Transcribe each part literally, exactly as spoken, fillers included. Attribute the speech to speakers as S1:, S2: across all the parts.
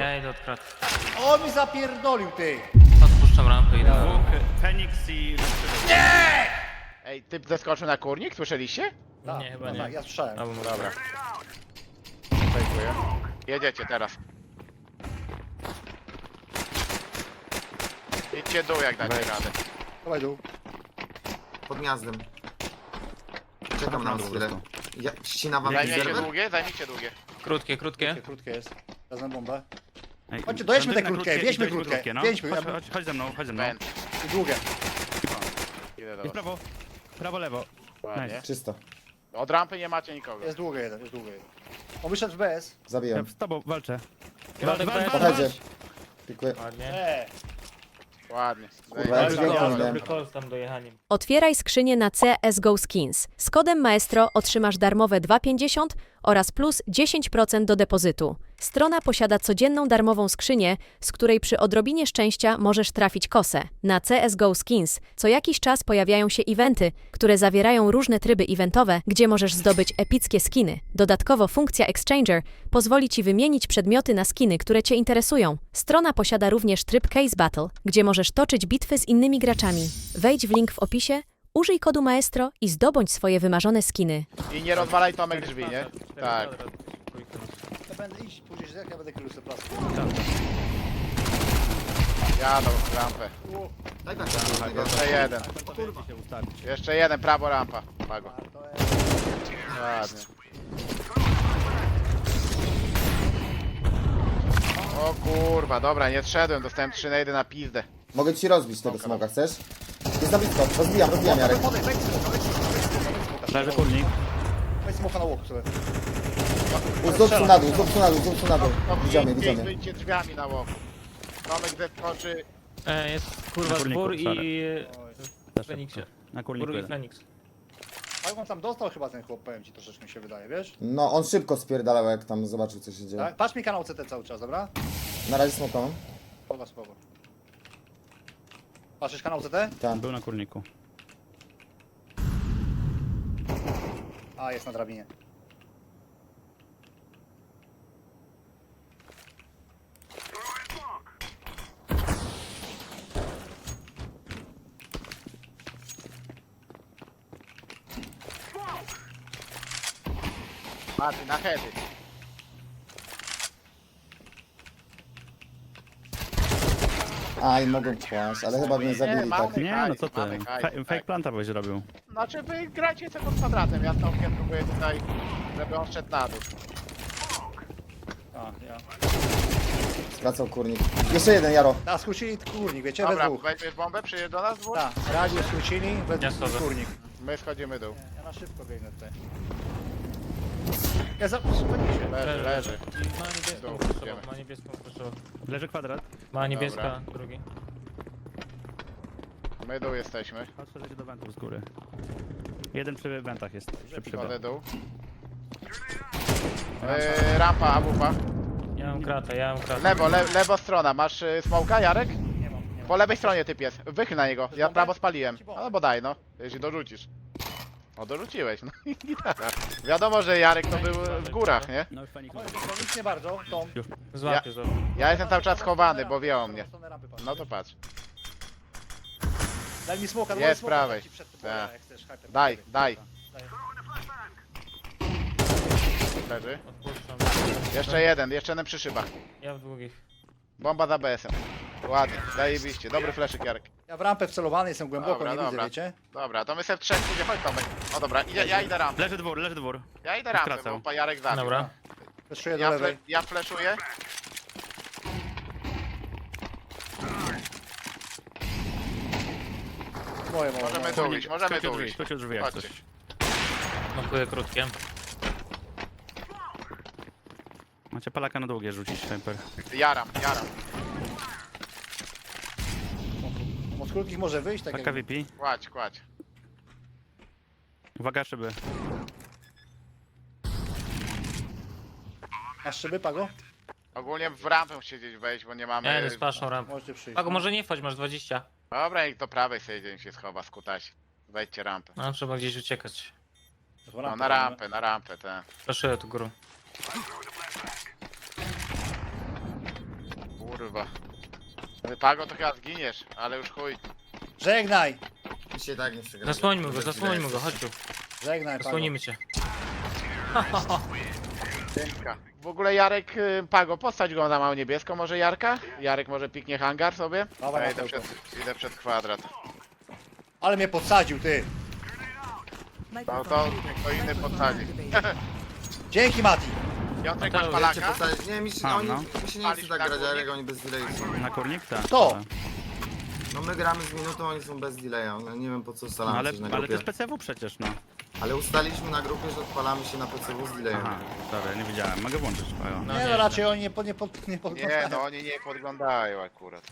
S1: Ja idę od kraty.
S2: O, mi zapierdolił, ty!
S1: Odpuszczam rampę i idę.
S3: Dwóch, Feniks i...
S4: Ej, typ zeskoczył na kurnik, słyszeliście?
S2: Tak,
S1: Nie, chyba
S2: no
S1: nie.
S2: Tak, ja słyszałem.
S1: Albo może.
S4: Dobra. Dziękuję. Jedziecie teraz. Idźcie dół jak dacie radę.
S2: Dawaj dół.
S5: Pod gniazdem. Czekam na
S3: dół
S5: chwilę.
S3: został.
S5: Ja, ścina wam
S4: Zajmijcie
S5: rezerwę?
S4: długie, zajmijcie długie.
S1: Krótkie, krótkie.
S2: Krótkie, krótkie jest. Wezmę bombę.
S3: Ej,
S2: Chodźcie, dojedźmy
S3: na
S2: te krótkie, wieźmy krótkie,
S3: no.
S2: wieźmy,
S3: Chodź,
S2: ja-
S3: chodź, chodź ze mną, chodź ze mną.
S4: Pęd.
S2: I długie.
S4: Idę do
S3: Jest
S4: was.
S3: prawo, prawo, lewo.
S4: Ładnie.
S6: Czysto.
S4: Od rampy nie macie nikogo.
S2: Jest długie jeden, jest długie jeden. On wyszedł w B S.
S3: Ja
S6: Zabiłem.
S3: z tobą walczę.
S1: Waldek
S3: Walcz,
S1: B.
S3: walcz,
S6: Podchodzę.
S3: walcz.
S6: Pikuję.
S1: Ładnie.
S2: Eee,
S4: Ładnie.
S6: Kurwa, jak
S4: Zajebiście.
S6: dźwięk
S2: dobra.
S6: mam.
S1: Dobry call z tam dojechaniem.
S7: Otwieraj skrzynię na C S G O Skins. Z kodem Maestro otrzymasz darmowe dwa pięćdziesiąt oraz plus dziesięć procent do depozytu. Strona posiada codzienną darmową skrzynię, z której przy odrobinie szczęścia możesz trafić kosę. Na C S G O Skins co jakiś czas pojawiają się eventy, które zawierają różne tryby eventowe, gdzie możesz zdobyć epickie skiny. Dodatkowo funkcja Exchanger pozwoli Ci wymienić przedmioty na skiny, które Cię interesują. Strona posiada również tryb Case Battle, gdzie możesz toczyć bitwy z innymi graczami. Wejdź w link w opisie, użyj kodu Maestro i zdobądź swoje wymarzone skiny.
S4: I nie rozwalaj Tomek drzwi, nie? Tak.
S2: ja będę iść, później jak ja będę krył sobie plastik.
S4: Jadą rampę.
S5: Daj tak,
S4: Jeszcze jeden.
S3: się ustawić.
S4: Jeszcze jeden, prawo rampa. Pago. Ładnie. O kurwa, dobra, nie wszedłem, dostałem trzy nade na pizdę.
S6: Mogę ci rozbić tego smoka, chcesz? Jest na blisko. Rozbijam, rozbijam, Jarek.
S2: Podaj, wejdź sobie, wejdź sobie, wejdź sobie, wejdź smoka.
S3: Leży kurnik.
S2: Wejdź smoka na łoku sobie.
S6: Zobacz na dół, zobacz na dół, zobacz na dół.
S4: No,
S6: Widzimy,
S4: pięć,
S6: widzimy.
S4: wyjdźcie drzwiami na łoku. Tomek zeskoczy.
S1: E, jest kurwa
S3: Na kurniku,
S1: zbór i...
S3: sorry.
S1: w Feniksie.
S3: Na
S1: Zbór
S3: kurniku
S1: i
S3: jeden.
S1: Feniks.
S2: Ale on tam dostał chyba ten chłop, powiem ci, troszeczkę mi się wydaje, wiesz?
S6: No, on szybko spierdalał, jak tam zobaczył, co się dzieje.
S2: Tak? Patrz mi kanał C T cały czas, dobra?
S6: Na razie smoka mam.
S2: Spoko, spoko. Patrzysz kanał C T?
S6: Tam.
S3: Był na kurniku.
S2: A, jest na drabinie.
S4: Maty, na heady.
S6: Aj, mogą kłaść, ale chyba mnie zabili
S4: mamy.
S6: tak.
S3: Nie, no co ty.
S4: Mamy hajs,
S3: Fe-
S4: tak.
S3: Fake planta byś robił.
S4: Znaczy wy gracie tylko kwadratem, ja z Tomkiem próbuję tutaj, żeby on szedł na dół.
S2: A, ja.
S6: Skracał kurnik. Jeszcze jeden, Jaro.
S2: A, skrócili kurnik, wiecie, we
S4: Dobra,
S2: dwóch.
S4: weźmiesz bombę, przyjedziesz do nas dwóch?
S2: Tak, radio skrócili, we
S1: Ja
S2: dwóch
S1: schodzę.
S2: kurnik.
S4: My schodzimy dół.
S2: Ja na szybko biegnę tutaj. Ja za... Spędzi się.
S4: Leży, leży.
S1: I ma niebieską
S4: Dobra,
S1: proszę,
S4: idziemy.
S1: ma niebieską proszę.
S3: Leży kwadrat.
S1: Ma niebieska, drugi.
S4: My dół jesteśmy.
S3: Chodź, leci do wentów z góry. Jeden przy wentach jest. Przy przyda.
S4: Chodzę dół. Yy, rampa, awupa.
S1: Ja mam kratę, ja mam kratę.
S4: Lewo, le, lewo strona. Masz y, smoka, Jarek?
S2: Nie mam, nie mam.
S4: Po lewej stronie typ jest. Wychyl na niego. Ja
S2: bombę?
S4: prawo spaliłem.
S2: Ci bombę.
S4: No bo daj no, jeśli dorzucisz. O, dorzuciłeś, no i gitara. Wiadomo, że Jarek to był w górach, nie?
S3: No już Feniks.
S2: Chodź, to nic nie bardzo, Tom.
S1: Złapię, złapię.
S4: Ja jestem cały czas schowany, bo wie o mnie.
S2: Stronę rampy, patrz.
S4: No to patrz.
S2: Daj mi smoka,
S4: Jest
S2: smoka,
S4: prawej.
S2: ci przed tym,
S4: Tak.
S2: jak chcesz, hyper.
S4: Daj, daj.
S2: Daj.
S4: Leży.
S1: Odpuszczam.
S4: Jeszcze jeden, jeszcze jeden przy szybach.
S1: Ja w długich.
S4: Bomba za B S-em. Ładnie, zajebiście. Dobry fleszyk, Jarek.
S2: Ja w rampę wcelowany jestem głęboko,
S4: Dobra,
S2: nie
S4: dobra.
S2: widzę, wiecie?
S4: Dobra, to my sobie w trzech pójdzie, chodź Tomek. O dobra, idę, ja idę rampę.
S3: Leży dwór, leży dwór.
S4: Ja idę rampę,
S3: Skracał.
S4: bo pa Jarek zabił.
S1: Dobra.
S2: Wyszuję do
S4: Ja, fle,
S2: lewej.
S4: ja fleszuję.
S2: Moje, moje,
S4: Możemy
S2: moje.
S4: tu iść, możemy
S3: Skrócił
S4: tu
S3: drzwi,
S4: iść.
S3: skrócił drzwi jak
S4: Chodźcie.
S3: coś.
S1: Nokuję krótkie.
S3: Macie palaka na długie rzucić, Hyper.
S4: Jaram, jaram.
S2: Od krótkich może wyjść, tak
S3: Taka
S2: jak...
S3: V P.
S4: Kładź, kładź.
S3: Uwaga szyby.
S2: Masz szyby, Pago?
S4: Ogólnie w rampę siedzieć wejść, bo nie mamy...
S1: Ja idę z paszą rampę.
S2: Możecie przyjść.
S1: Pago, może nie wchodź, masz dwadzieścia.
S4: Dobra, niech do prawej sobie dzień się schowa, skutać. Wejdźcie rampę.
S1: No, trzeba gdzieś uciekać.
S4: No na rampę, na rampę, te.
S1: Proszę tu górą.
S4: kurwa. Pago to chyba zginiesz, ale już chuj.
S2: Żegnaj!
S5: Mi się tak nie przegrali.
S1: Zasłońmy go,
S5: Bez
S1: zasłońmy go,
S5: delay.
S1: chodź tu.
S2: Żegnaj, Pago.
S1: Zasłonimy cię.
S4: Piękka. W ogóle Jarek, y, Pago, postać go na małą niebieską, może Jarka? Jarek może piknie hangar sobie?
S2: Dawaj,
S4: Ja idę
S2: Matełko.
S4: przed, idę przed kwadrat.
S2: Ale mnie podsadził, ty!
S4: No to kto inny podsadzi.
S2: Dzięki, Mati!
S4: Piotrek,
S1: Mateusz,
S4: masz
S5: Wiecie,
S4: palaka?
S5: postawić- Nie, mi się,
S3: A,
S5: oni,
S3: no.
S5: mi się nie chce
S4: Palisz
S5: tak
S4: na
S5: grać,
S4: górnik?
S5: ale oni bez delayu są.
S3: Na kurnik? Tak.
S2: Kto?
S3: ale-
S5: No my gramy z minutą, oni są bez delaya. No nie wiem po co
S3: No,
S5: ustalamy
S3: ale,
S5: coś na
S3: ale to
S5: grupie.
S3: jest P C W przecież, no.
S5: Ale ustaliliśmy na grupie, że odpalamy się na P C W z delayem.
S3: Aha, dobra, nie wiedziałem. Mogę włączyć. Pago.
S1: No
S2: nie,
S1: nie,
S2: no raczej oni nie, pod, nie, pod, nie
S4: Nie,
S2: podglądają.
S4: no oni nie podglądają akurat.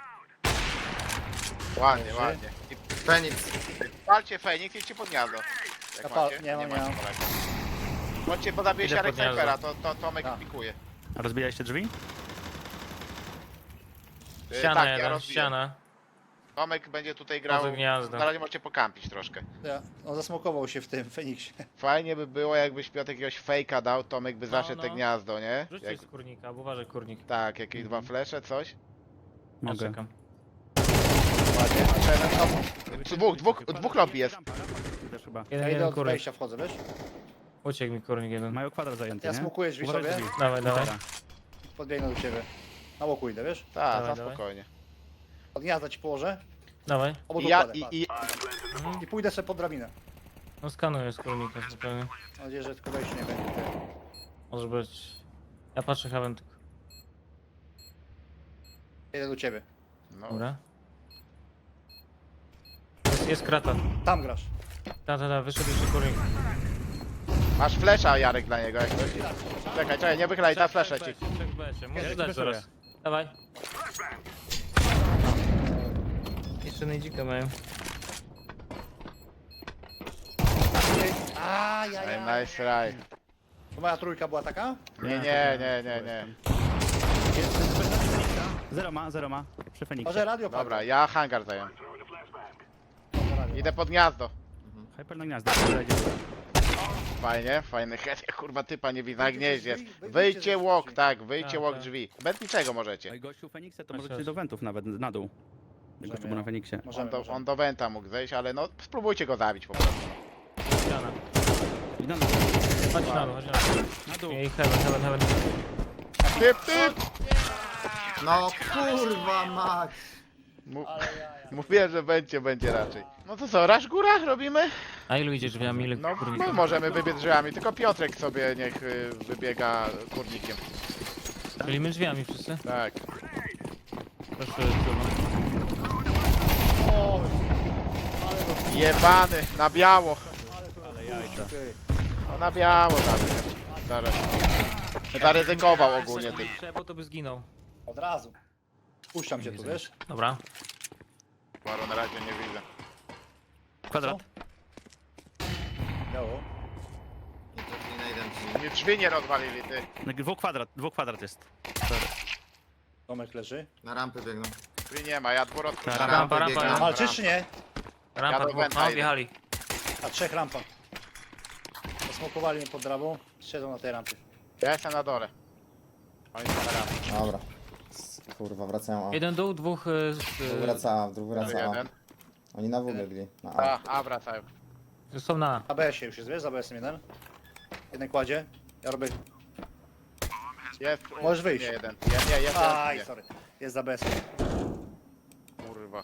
S4: Ładnie, ładnie. I
S5: Feniks.
S4: palcie Feniks i idźcie pod gniazdo. Jak
S2: Ja pal-
S4: macie?
S2: nie mam, nie
S4: macie
S2: mam.
S4: palaka. Chodźcie, bo zabije
S1: Idę
S4: Jarek
S1: pod gniazdo.
S4: snajpera, to, to Tomek
S2: Tak.
S4: pikuje.
S3: A rozbijaliście drzwi?
S4: Y,
S1: Ściana
S4: tak, ja
S1: jeden,
S4: rozbiję.
S1: ściana.
S4: Tomek będzie tutaj grał.
S1: Poza gniazdo.
S4: Na razie możecie pokampić troszkę.
S2: Ja, on zasmokował się w tym Feniksie.
S4: Fajnie by było, jakbyś Piotr jakiegoś fejka dał, Tomek by
S1: No,
S4: zaszedł te
S1: no.
S4: gniazdo, nie?
S1: Rzuć
S4: Jak,
S1: coś z kurnika, bo uważaj kurnik.
S4: tak, jakieś dwa flesze, coś.
S1: Ja
S3: Mogę.
S1: czekam.
S2: Ładnie.
S4: Dwóch, dwóch, dwóch lobby jest.
S3: Rampa, rampa też chyba.
S2: Ja
S1: Jeden,
S2: idę
S1: jeden
S2: od
S1: kurnik.
S2: wejścia, wchodzę, wiesz?
S1: Uciekł mi kurnik jeden.
S3: Mają kwadrat zajęty,
S2: Ja
S3: nie?
S2: smokuję drzwi
S3: Uważaj
S2: sobie.
S3: drzwi.
S1: Dawaj, dawaj.
S3: Dobra.
S2: Podbiegnę do ciebie. Na łoku idę, wiesz?
S4: Tak,
S1: Dawaj,
S4: na
S1: dawaj.
S4: spokojnie.
S2: Od gniazda ci położę.
S1: Dawaj.
S2: Obok
S4: I ja,
S2: układę,
S4: i,
S2: patrz.
S4: i,
S1: Mhm.
S2: I pójdę sobie pod drabinę.
S1: No skanuję z kurnika zupełnie.
S2: Mam nadzieję, że tylko wejście nie będzie. Ty.
S1: Może być. Ja patrzę Haven tylko.
S2: Idę do ciebie.
S4: no,
S1: Dobra. Jest, jest krata.
S2: Tam grasz.
S1: Ta, ta, ta, wyszedł jeszcze kurnik.
S4: masz flesza, Jarek, dla niego, jak coś. Czekaj, czekaj, nie wychylaj, ta flesze ci.
S1: Trzech becie, możesz
S3: Ja
S1: dać
S3: ci
S1: zaraz.
S3: wyszuję.
S1: Dawaj. Jeszcze najdzika mają.
S2: A, ja, ja.
S4: Nice try.
S2: To moja trójka była taka?
S4: Nie, nie, nie, nie, nie.
S3: Zero ma, zero ma. Przy Feniksie.
S2: Może radio
S4: Dobra,
S2: padło.
S4: ja hangar zająłem.
S2: Może radio.
S4: Idę pod gniazdo.
S3: Hyper na gniazdo. Zajdzie.
S4: Fajnie, fajny head. Ja kurwa typa nie widzę na
S2: Wyjdźcie
S4: gnieździe.
S2: z drzwi, wyjdźcie
S4: Wyjdźcie
S2: z
S4: łok,
S2: drzwi.
S4: tak, wyjdźcie
S1: Tak,
S4: łok
S1: tak.
S4: drzwi. Bez niczego
S3: No
S4: możecie.
S3: i gościu Feniksa to
S1: Masz
S3: możecie
S1: rację.
S3: do wentów nawet, na dół. Jak gościu był na Feniksie.
S4: On
S2: Możemy,
S4: do,
S2: możemy.
S4: on do Wenta mógł zejść, ale no spróbujcie go zabić po prostu.
S1: Ściana.
S3: I na dół.
S1: Chodź na dół, chodź na dół.
S3: Na dół.
S1: I Heaven, Heaven, Heaven.
S4: Typ, typ!
S5: No kurwa mać.
S4: Mu-
S2: Ale ja, ja.
S4: Mówiłem, że będzie, będzie raczej. No to co, rasz góra robimy?
S1: A ilu idzie drzwiami, ile
S4: No
S1: kurnika?
S4: my możemy wybiec drzwiami, tylko Piotrek sobie niech y, wybiega kurnikiem.
S1: Czyli my drzwiami wszyscy?
S4: Tak.
S1: Proszę, trudno.
S2: O, ale to,
S4: Jebany, na biało.
S2: ale to,
S3: Ale jajca.
S2: ty.
S4: No na biało nawet. Zaraz. Zaryzykował ogólnie ty.
S1: Bo to by zginął.
S2: Od razu. Puszczam cię tu, wiesz?
S1: Dobra.
S4: Maro na razie nie widzę.
S3: Kwadrat.
S2: Biało.
S5: Nie trafili na jeden ci.
S4: Nie, drzwi nie rozwalili ty.
S3: Dwóch kwadrat, dwóch kwadrat jest.
S2: Tomek leży.
S5: Na rampy biegną.
S4: Drzwi nie ma, ja dwór
S3: Tak.
S4: odkryłem.
S1: Rampa, rampa,
S5: biegną.
S1: rampa.
S2: Walczysz czy nie?
S1: Rampa,
S4: Ja do
S1: dwóch,
S4: Wenta
S1: no
S4: idę.
S1: wjechali.
S2: A trzech rampa. Zasmokowali mnie pod drabą. Siedzą na tej rampie.
S4: Ja jestem na dole. Oni są na rampie.
S6: Dobra. Kurwa, wracają A.
S1: Jeden dół, dwóch y, z,
S6: Dwóch wraca A, dwóch wraca A.
S4: Jeden.
S6: Oni na W biegli. Na A.
S4: A, a wracają.
S1: y, są na.
S2: A B S już jest, wiesz? Za B S-em jeden. Jeden kładzie. Ja robię...
S4: Jest.
S2: Możesz wyjść.
S4: Nie, jeden. Nie, nie, jest.
S2: Aj,
S4: jest,
S2: sorry. Jest za B S-em.
S4: Kurwa.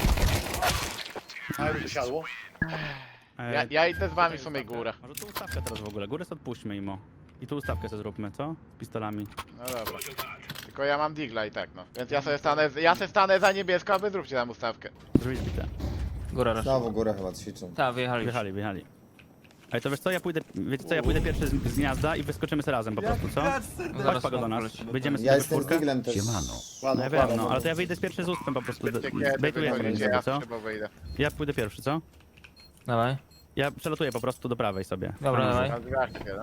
S2: A już usiadło.
S3: E,
S4: Ja, ja idę z wami w sumie górę.
S3: Może tu ustawkę teraz w ogóle. Górę sobie odpuśćmy imo. I tu ustawkę sobie zróbmy, co? Z pistolami.
S4: No dobra. Tylko ja mam digla i tak no. Więc ja sobie stanę, ja sobie stanę za niebiesko, a wy zróbcie tam ustawkę.
S3: Drzwi zbite.
S1: Góra raz.
S6: Znowu górę chyba ćwiczą.
S1: Tak, wyjechali.
S3: Wjechali, wjechali. Ale to wiesz co, ja pójdę, wiecie co, ja pójdę pierwszy z, z gniazda i wyskoczymy sobie razem po prostu, co? Chodź Pago do nas, wyjdziemy sobie
S6: Ja
S3: we
S6: jestem z
S3: czwórkę.
S6: Diglem też.
S3: No
S2: Ładno,
S3: ja wiem,
S2: ładno.
S3: no, ale to ja wyjdę z pierwszy z uspem po prostu,
S4: Wiecie kiedy
S3: bejtujemy
S4: wychodzicie,
S3: sobie,
S4: ja
S3: co?
S4: chyba wyjdę.
S3: Ja pójdę pierwszy, co?
S1: Dawaj.
S3: Ja przelatuję po prostu do prawej sobie.
S1: Dobra,
S3: Tam
S1: dawaj.
S4: Na drzwiach jeden.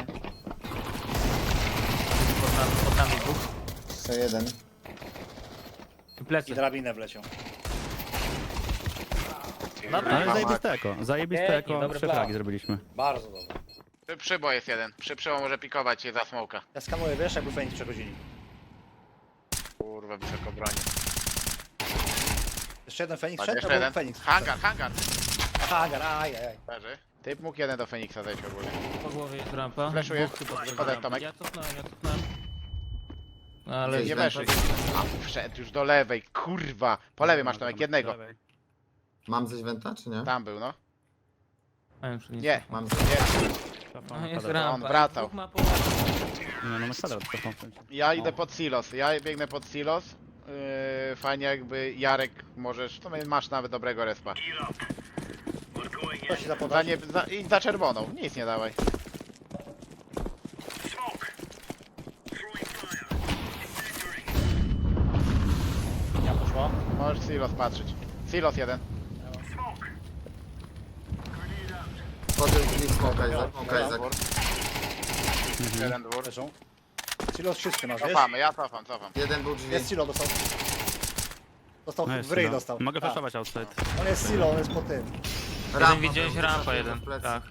S1: Pod nami, pod nami dwóch.
S6: Jeszcze jeden.
S1: I
S2: I
S1: plecy.
S2: drabinę wleciał.
S1: Dobra.
S3: Ale
S4: Mama.
S3: zajebiste eko, zajebiste
S1: Pięknie,
S3: eko,
S1: dobry
S3: trzy
S1: plan.
S3: fragi zrobiliśmy.
S2: Bardzo dobrze.
S4: Przy przybo jest jeden. Przy przybo może pikować się za smoka.
S2: Ja skanuję, wiesz, jakby Feniks przechodzili.
S4: Kurwa. kurwa wysoko broni.
S2: Jeszcze jeden Feniks
S4: Tak,
S2: szedł,
S4: jeszcze
S2: to był
S4: jeden.
S2: Feniks.
S4: Hangar, hangar.
S2: Hangar, aj, aj, aj.
S4: Leży. Typ mógł jeden do Feniksa zejść ogólnie.
S1: Po głowie jest rampa.
S4: Flashuję.
S1: Dwóch typów
S4: Podaj,
S1: pod rampą.
S4: Tomek.
S1: Ja cofnąłem, ja cofnąłem. Ale
S5: Gdzieś
S4: Nie
S5: Rampa.
S4: weszli. A, wszedł już do lewej, kurwa. Po lewej masz Tomek, jednego.
S5: Mam coś wenta, czy nie?
S4: Tam był, no.
S1: Mam już nic.
S4: Nie,
S5: Mam coś.
S4: nie.
S1: No, jest
S3: Nie,
S1: rampa.
S4: On wracał.
S1: Dwóch ma połowę.
S3: no na kwadrat cofam.
S4: Ja idę pod silos, ja biegnę pod silos. Yy, fajnie jakby Jarek możesz, to masz nawet dobrego respa.
S2: To się
S4: Za
S2: zapodać.
S4: nie, za, idź za czerwoną, nic nie dawaj.
S2: Ja poszło.
S4: Możesz silos patrzeć. Silos jeden.
S5: Wchodzę w drzwi, smoka Izak, smoka Izak.
S4: Dwór. Jeden dwór.
S2: Leżą. Silos czysty masz, wiesz?
S4: Cofamy, ja cofam, cofam.
S5: Jeden był drzwi.
S2: Jest silo, dostał. Dostał
S3: No
S2: w
S3: jest,
S2: ryj,
S3: no.
S2: dostał.
S3: Mogę
S2: Tak.
S3: flashować outside.
S2: On jest silo, on jest po tym.
S5: Rampa
S1: Jeden widziałeś
S5: był,
S1: rampa
S5: wyszedł
S1: jeden.
S5: w plecy.
S1: Tak.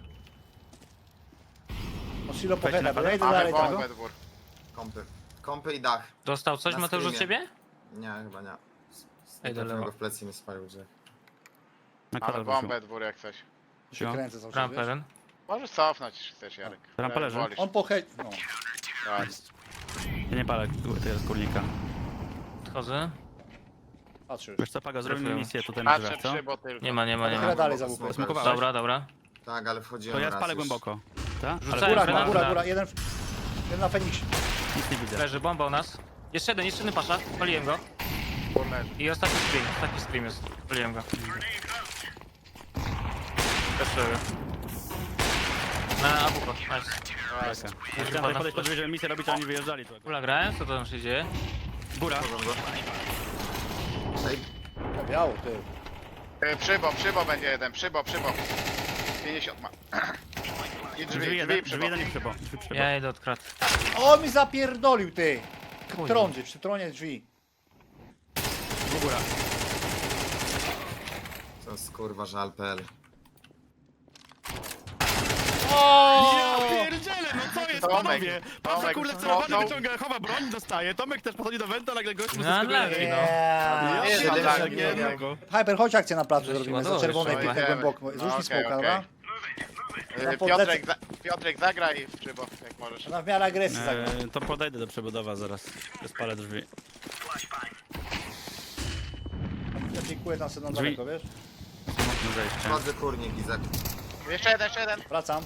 S2: On silo po
S3: Weźcie
S2: heada,
S3: na
S2: bo ja idę
S3: pewno.
S2: dalej
S4: Mamy
S2: tego.
S4: bombę dwór.
S5: Kompy. Kompy i dach.
S1: Dostał coś
S5: Na
S1: Mateusz od
S5: screamie.
S1: ciebie?
S5: Nie, chyba nie.
S1: Ej, do
S5: Trafiłem
S1: lewa.
S5: go w plecy i mnie spalił grze.
S3: Na
S4: Mamy
S3: kwadrat wrócił.
S4: bombę dwór jak coś.
S2: Się
S3: No.
S2: kręcę cały czas,
S1: Rampa
S2: wiesz?
S1: jeden.
S4: Możesz cofnąć, jeśli chcesz Jarek.
S3: Rampa
S4: Jak
S3: leży.
S4: wolisz.
S2: On po head... No.
S4: Ładnie.
S3: Ja nie palę tego kurnika.
S1: Odchodzę.
S2: Patrz już.
S3: Wiesz co, Pago, zrobimy
S1: Trafiłem.
S3: misję tutaj na
S4: Patrzę
S3: drzwiach, co?
S4: przy, bo tylko.
S1: Nie ma, nie ma, nie
S2: Chyba
S1: ma.
S2: dalej za łupę.
S5: Smokowałeś?
S1: Dobra, dobra.
S5: Tak, ale wchodziłem
S3: To ja
S5: raz
S3: spalę
S5: już.
S3: głęboko. Tak?
S1: Rzucaj.
S3: Ale
S2: Góra,
S1: Granat,
S2: góra,
S1: granat.
S2: góra. Jeden, jeden na Feniksie.
S3: nic nie widzę.
S1: Leży bomba u nas. Jeszcze jeden, jeszcze jeden pasza. Paliłem go.
S4: Dwór leży.
S1: I ostatni screen, ostatni screen jest. Paliłem go. Teszuję. Na abuko, nice.
S4: Ładnie.
S3: Chciałem tutaj podejść pod drzwi, żeby misję robić, a oni wyjeżdżali. tu.
S1: Kula grałem, co tam się dzieje?
S3: Góra.
S5: Ej,
S2: Biało, ty.
S4: Yy, Przybo, przybo będzie jeden, przybo, przybo. pięćdziesiąt ma. I drzwi,
S3: Drzwi
S4: drzwi,
S3: jeden, drzwi
S4: przybo.
S3: jeden i przybo. Drzwi przybo.
S1: Ja idę od krat.
S2: On mi zapierdolił, ty. Trądzy, przy tronie drzwi.
S3: Góra.
S5: to jest kurwa żal.pl.
S3: Ja pierdzielę, no co jest,
S4: Tomek,
S3: panowie? Patrz,
S4: Tomek,
S3: kurde,
S4: no,
S3: celowany
S4: no.
S3: wyciąga, chowa broń, dostaje. Tomek też podchodzi do wenta, nagle gość mu
S1: No,
S3: zaskakuje.
S1: lagi, no.
S2: Yeah.
S4: Nie,
S3: Ja
S4: no,
S3: pierdzielę,
S4: tak,
S3: nie,
S4: nie,
S3: no.
S4: nie.
S2: Hyper, chodź akcję na placu
S1: Żeś
S2: zrobimy, za
S1: ładował
S2: czerwonej
S1: jeszcze,
S2: pięknie
S4: idziemy.
S2: głęboko.
S4: No,
S2: Zrzuć mi
S4: okej,
S2: smoka,
S4: okej.
S2: dobra?
S4: Yy,
S2: Ja podlecę.
S4: Piotrek, za, Piotrek zagraj w przybo, jak możesz.
S2: Ona w miarę agresji zagra.
S3: Eee, to podejdę do przebudowa zaraz. Spalę drzwi.
S2: Ja dziękuję tam sobie na
S3: Drzwi.
S2: daleko, wiesz?
S3: Mocne zejście.
S5: Wchodzę kurnik Izak.
S4: Jeszcze jeden, jeszcze jeden.
S2: Wracam,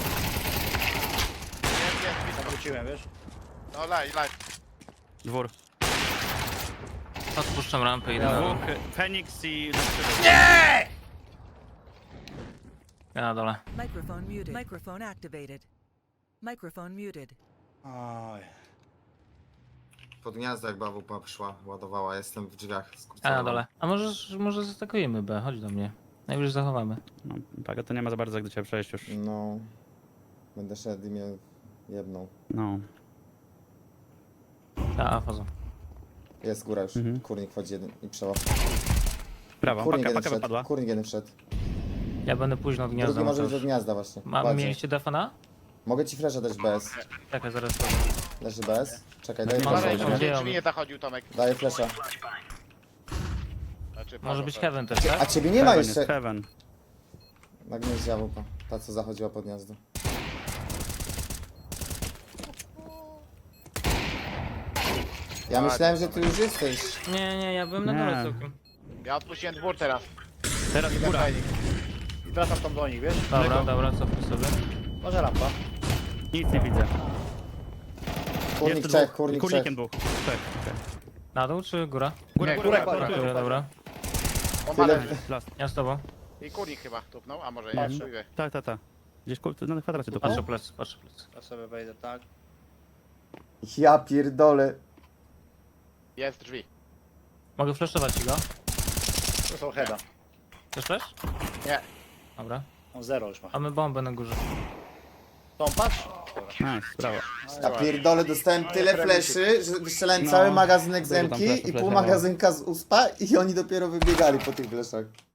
S4: Jest, jest, blisko.
S2: zawróciłem, wiesz?
S4: No live, live.
S3: Dwór.
S1: Odpuszczam rampę i idę na dół.
S3: Dwóch, Feniks i...
S1: Ja na dole.
S8: Microphone muted. Microphone activated. Microphone muted.
S2: Aj.
S5: Pod gniazdo jak bawupa przyszła, ładowała, jestem w drzwiach.
S1: Ja na dole. A może, może zastakujemy B, chodź do mnie. Najwyżej zachowamy.
S3: No, Pago, to nie ma za bardzo jak do ciebie przejść już.
S6: No. Będę szedł i mnie jedną.
S3: No.
S1: Ta, faza.
S6: Jest góra już.
S3: Mhm.
S6: Kurnik wchodzi jeden i przełap.
S3: Brawo,
S6: Kurnik
S3: paka,
S6: jeden
S3: paka
S6: wszedł.
S3: wypadła.
S6: Kurnik jeden wszedł.
S1: Ja będę późno od gniazda.
S6: Drugi może być
S1: Mateusz.
S6: do gniazda właśnie.
S1: Ma,
S6: Bardziej.
S1: mieliście defa na?
S6: Mogę ci flasha dać B S.
S1: Czekaj, zaraz to.
S6: Leży B S. Czekaj, daję
S3: Nie
S6: flasha.
S4: Uważaj,
S1: Dobra,
S6: jednego.
S4: żeby
S1: idziemy.
S4: drzwi nie zachodził Tomek.
S6: Daję flasha.
S4: Znaczy,
S1: Może
S4: Paweł,
S1: być
S4: to-
S1: heaven też, tak?
S6: A ciebie nie ma
S3: Heaven
S6: jeszcze.
S3: jest heaven.
S6: Na gnieździe łupa. Ta co zachodziła pod gniazdo. Ja myślałem, że ty już jesteś.
S1: Nie, nie, ja byłem na dole
S3: Nie.
S1: całkiem.
S4: Ja odpuściłem dwór teraz.
S3: Teraz góra.
S2: I wracam tam do nich, wiesz?
S1: Dobra, dobra, cofnij sobie.
S2: Może rampa.
S3: Nic nie widzę.
S6: Kurnik
S3: Jeszcze
S6: trzech,
S3: dwóch.
S6: kurnik trzech.
S3: Kurnikiem dwóch. Trzech, okej.
S1: Na dół czy góra?
S3: Góra,
S4: Nie,
S3: góra,
S2: góra,
S3: góra,
S2: góra.
S3: góra.
S1: Dobra, dobra.
S4: Bomba
S6: Tyle-
S4: leży.
S3: Last.
S1: Ja z tobą.
S4: I kurnik chyba tupnął, a może nie,
S2: Patrzę.
S4: chuj wie.
S3: Tak, tak, tak. Gdzieś kur- na kwadracie tu.
S1: Patrzę plecy, patrzę plecy.
S2: Ja sobie wejdę, tak.
S6: Ja pierdolę.
S4: Jest drzwi.
S1: Mogę flashować ci go?
S2: To są heada.
S1: Chcesz flash?
S4: Nie.
S1: Dobra.
S2: On zero już ma.
S1: Mamy bombę na górze.
S2: Tą patrz.
S3: Nice, brawo.
S6: Ja pierdolę, dostałem tyle fleszy, że wystrzelałem cały magazynek z
S3: Dużo tam
S6: Emki
S3: fleszy,
S6: i pół
S3: fleszy, no.
S6: magazynka z uspa i oni dopiero wybiegali po tych fleszach.